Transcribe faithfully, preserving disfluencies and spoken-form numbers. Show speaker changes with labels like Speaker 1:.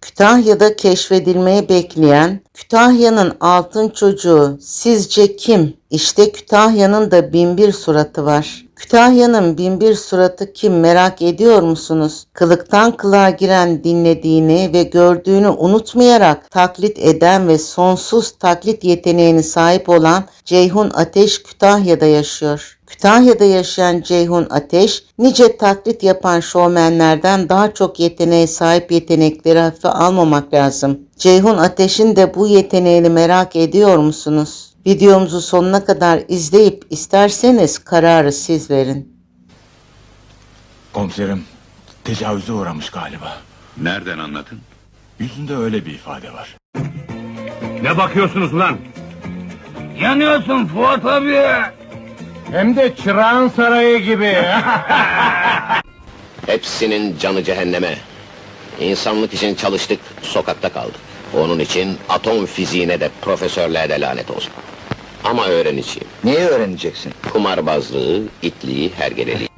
Speaker 1: Kütahya'da keşfedilmeyi bekleyen Kütahya'nın altın çocuğu sizce kim? İşte Kütahya'nın da binbir suratı var. Kütahya'nın binbir suratı kim merak ediyor musunuz? Kılıktan kılığa giren dinlediğini ve gördüğünü unutmayarak taklit eden ve sonsuz taklit yeteneğine sahip olan Ceyhun Ateş Kütahya'da yaşıyor. Kütahya'da yaşayan Ceyhun Ateş, nice taklit yapan şovmenlerden daha çok yeteneğe sahip yetenekleri hafife almamak lazım. Ceyhun Ateş'in de bu yeteneğini merak ediyor musunuz? Videomuzu sonuna kadar izleyip isterseniz kararı siz verin.
Speaker 2: Komiserim, tecavüze uğramış galiba.
Speaker 3: Nereden anladın?
Speaker 2: Yüzünde öyle bir ifade var.
Speaker 4: Ne bakıyorsunuz lan?
Speaker 5: Yanıyorsun Fuat abi.
Speaker 4: Hem de Çırağan Sarayı gibi.
Speaker 6: Hepsinin canı cehenneme. İnsanlık için çalıştık, sokakta kaldık. Onun için atom fiziğine de profesörlüğe de lanet olsun. Ama öğreneceğim.
Speaker 7: Neyi öğreneceksin?
Speaker 6: Kumarbazlığı, itliği, hergeleliği.